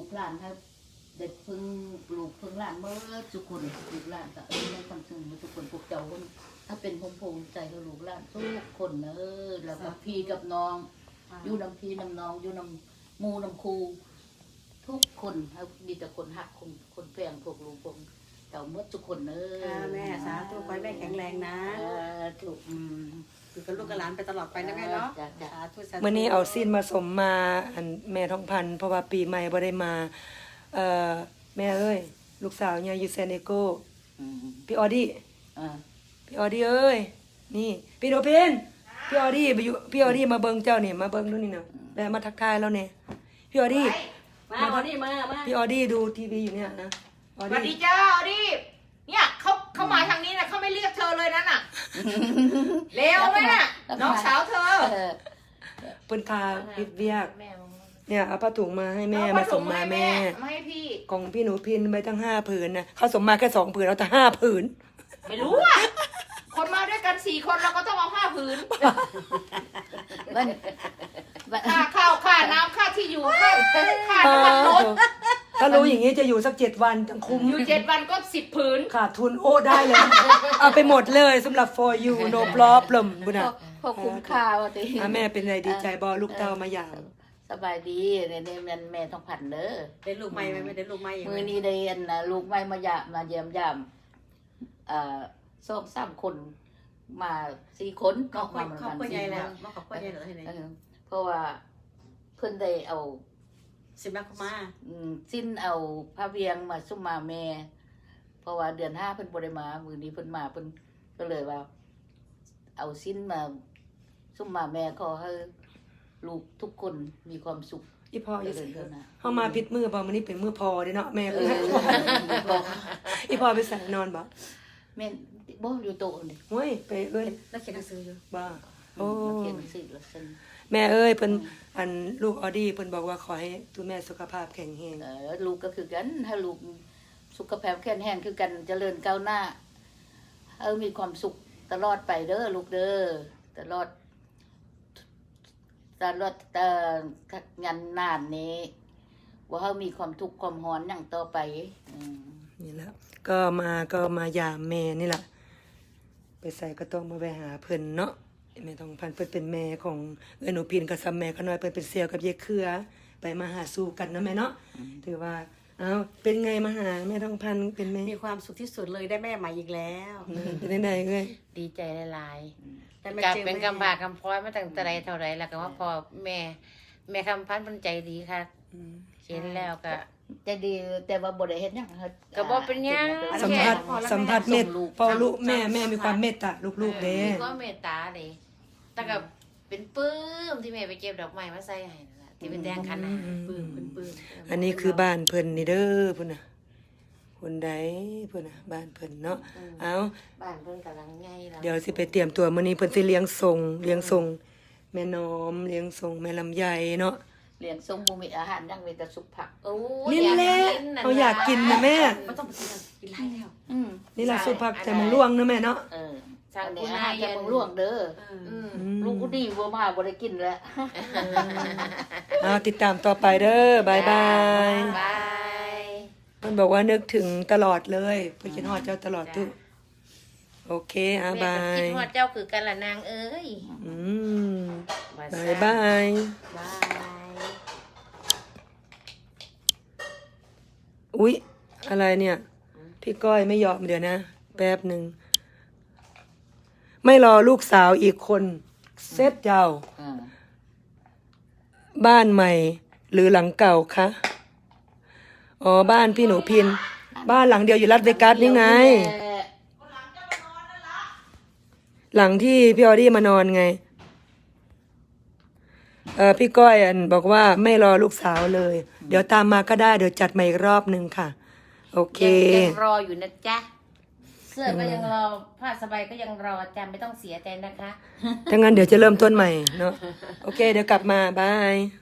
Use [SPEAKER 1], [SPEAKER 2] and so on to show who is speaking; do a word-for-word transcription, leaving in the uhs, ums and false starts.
[SPEAKER 1] หลานครับเด็กพึ่งลูกพึ่งหลานเมื่อทุกคนลูกหลานก็เออในความซึ้งทุกคนพวกเจ้าคนถ้าเป็นพงพงใจกับลูกหลานทุกคนเออแล้วกับพี่กับน้องอยู่นำพี่นำน้องอยู่นำมูนำครูทุกคนครับมีแต่คนหักคนคนแฝงพวกลูกพวกเจ้าเมื่อทุกคนเออ
[SPEAKER 2] แม่สาธุขอให้แม่แข็งแรงนะ
[SPEAKER 1] ถูก
[SPEAKER 2] อยู่กับลูกกับหลานไปตลอดไปนะแม่เนาะสาธุสาธุ
[SPEAKER 3] เมื่อนี้เอาซีนมาสมมาอันแม่ทองพันธุ์เพราะว่าปีใหม่บ่ได้มาเอ่อแม่เอ้ยลูกสาวเนี่ยอยู่เซนเอโกพี่ออดี้พี่ออดี้เอ้ยนี่พี่โดเพนพี่ออดี้ไปอยู่พี่ออดี้มาเบิ่งเจ้านี่มาเบิ่งดูนี่นะแม่มาทักทายแล้วเนี่ยพี่ออดี้
[SPEAKER 2] มาออดี้มามา
[SPEAKER 3] พี่ออดี้ดูทีวีอยู่เนี่ยนะ
[SPEAKER 4] สวัสดีจ้าออดี้เนี่ยเขาเขามาทางนี้นะเขาไม่เรียกเธอเลยนั่นน่ะเร็วไหมน่ะน้องสาวเธอ
[SPEAKER 3] เปิ้นคาพิดเวียกเนี่ยเอาผ้าถุงมาให้แม่มาส่งมาแม่
[SPEAKER 4] มาให้พี่
[SPEAKER 3] ของพี่หนูพินไปตั้งห้าผืนนะเขาส่งมาแค่สองผืนเอาแต่ห้าผืน
[SPEAKER 4] ไม่รู้อ่ะคนมาด้วยกันสี่คนเราก็ต้องเอาห้าผืนค่าข้าวค่าน้ำค่าที่อยู่ค่าค่าน้ำมันรถ
[SPEAKER 3] ถ้ารู้อย่างนี้จะอยู่สักเจ็ดวันจังคุ้ม
[SPEAKER 4] อยู่เจ็ดวันก็สิบผืน
[SPEAKER 3] ขาดทุนโอ้ได้เลยเอาไปหมดเลยสำหรับ for you no problem บุญนะ
[SPEAKER 1] พอคุ้มค่าว่ะติ
[SPEAKER 3] แม่เป็นไรดีใจบอลูกเต้ามาอย่าง
[SPEAKER 1] สบายดีเนี่ยเนี่ยมันแม่ต้องผันเด้อ
[SPEAKER 2] ได้ลูกใหม่ไหมไม่ได้ลูกใหม่
[SPEAKER 1] มือนี้ได้อันนะลูกใหม่มาหยามาเยี่ยมยามเอ่อสองสามคนมาสี่คน
[SPEAKER 2] ก็ครอบครัวใหญ่แล้วมาครอบครัวใหญ่เหรอที่ไหน
[SPEAKER 1] เพราะว่าเพิ่นได้เอา
[SPEAKER 2] สิบแม่คุมา
[SPEAKER 1] สิ้นเอาพระเวียงมาซุ่มมาแม่เพราะว่าเดือนห้าเพิ่นบ่ได้มามื้อนี้เพิ่นมาเพิ่นก็เลยว่าเอาสิ้นมาซุ่มมาแม่ขอให้ลูกทุกคนมีความสุข
[SPEAKER 3] อีพ่ออยู่ไสเฮามาผิดมื้อบ่มื้อนี้เป็นมื้อพอเด้เนาะแม่เอ้ยอีพ่อไปใส่นอนบ่
[SPEAKER 1] แม่บ่อยู่โต๊ะนี่
[SPEAKER 3] โอ้ยไปเอ้ย
[SPEAKER 2] แล้วเขียนหนังสืออยู่
[SPEAKER 3] บ่โอ้
[SPEAKER 1] เขียนหนังสือแล้วซั่น
[SPEAKER 3] แม่เอ้ยเพิ่นอันลูกออดี้เพิ่นบอกว่าขอให้ตัวแม่สุขภาพแข็งแรง
[SPEAKER 1] เออลูกก็คือกันถ้าลูกสุขภาพแข็งแรงคือกันเจริญก้าวหน้าเออมีความสุขตลอดไปเด้อลูกเด้อตลอดตลอดเอ่องานนานนี้ว่าเฮามีความทุกข์ความร้อนหยังต่อไปอืม
[SPEAKER 3] นี่แหละก็มาก็มายามแม่นี่ล่ะไปใส่ก็ต้องมาไปหาเพิ่นเนาะแม่ทองพันธุ์เพิ่นเป็นแม่ของเอ้ยหนูพินกับซ้ำแม่เขาน้อยเพิ่นเป็นเสี่ยวกับยายเครือไปมาหาสู่กันเนาะแม่เนาะถือว่าเอ้าเป็นไงมาหาแม่ทองพันธุ์เป็นแม่
[SPEAKER 2] มีความสุขที่สุดเลยได้แม่ใหม่อีกแล้ว
[SPEAKER 3] เป็นได้ไหนเอ้ย
[SPEAKER 4] ดีใจหลายๆกับเป็นกำบากกำพร้อยมาตั้งแต่ใดเท่าไรแล้วก็ว่าพอแม่แม่คำพันธุ์เพิ่นใจดีค่ะเห็นแล้วก็
[SPEAKER 1] จะดีแต่ว่าบ่ได้เฮ็ดหยัง
[SPEAKER 4] ก็บ่เป็นหยัง
[SPEAKER 3] สัมผัสสัมผัสเมตพอลูกแม่แม่มีความเมตตาลูกๆเด้
[SPEAKER 4] มีความเมตตาเด้แต่ก็เป็นปลื้มที่แม่ไปเก็บดอกไม้มาใส่ให้นั่นล่ะที่เป็นแดงคันน่ะปลื้มปลื้ม
[SPEAKER 3] อันนี้คือบ้านเพิ่นนี่เด้อพุ่นน่ะคนใดพุ่นน่ะบ้านเพิ่นเนาะเอ้า
[SPEAKER 4] บ้านเพิ่นกำลังใหญ่แล้ว
[SPEAKER 3] เดี๋ยวสิไปเตรียมตัวมื้อนี้เพิ่นสิเลี้ยงส่งเลี้ยงส่งแม่น้อมเลี้ยงส่งแม่ลำไยเนาะ
[SPEAKER 1] เลี้ยงส่งบ่มีอาหารยังมีแต่สุกผัก
[SPEAKER 4] โอ้
[SPEAKER 3] ยนี่แหละเขาอยากกินนะแม่
[SPEAKER 2] บ่ต้องไปกินกินหลายแล้ว
[SPEAKER 3] อืมนี่ล่ะสุกผักแต่มังล่วงนะแม่เนาะ
[SPEAKER 1] เอออันนี้อาหารแต่มังล่วงเด้อลูกกูดีบ่มาบ่ได้กินแล้ว
[SPEAKER 3] อ่าติดตามต่อไปเด้อบายบาย
[SPEAKER 4] บาย
[SPEAKER 3] เพิ่นบอกว่านึกถึงตลอดเลยเพิ่นคิดฮอดเจ้าตลอดทุกโอเคอ่ะบาย
[SPEAKER 4] คิดฮอดเจ้าคือกันล่ะนางเอ้ย
[SPEAKER 3] อืมบายบาย
[SPEAKER 4] บาย
[SPEAKER 3] อุ๊ยอะไรเนี่ยพี่ก้อยไม่ยอมเดี๋ยวนะแป๊บหนึ่งไม่รอลูกสาวอีกคนเซตเจ้าบ้านใหม่หรือหลังเก่าคะอ๋อบ้านพี่หนูพินบ้านหลังเดียวอยู่รัฐเวกัสนี่ไงหลังที่พี่ออดี้มานอนไงเออพี่ก้อยอันบอกว่าไม่รอลูกสาวเลยเดี๋ยวตามมาก็ได้เดี๋ยวจัดมาอีกรอบหนึ่งค่ะโอเค
[SPEAKER 4] ยังรออยู่นะจ๊ะเสื้อก็ยังรอผ้าสบายก็ยังรอจำไม่ต้องเสียใจนะคะ
[SPEAKER 3] ถ้างั้นเดี๋ยวจะเริ่มต้นใหม่เนาะโอเคเดี๋ยวกลับมาบาย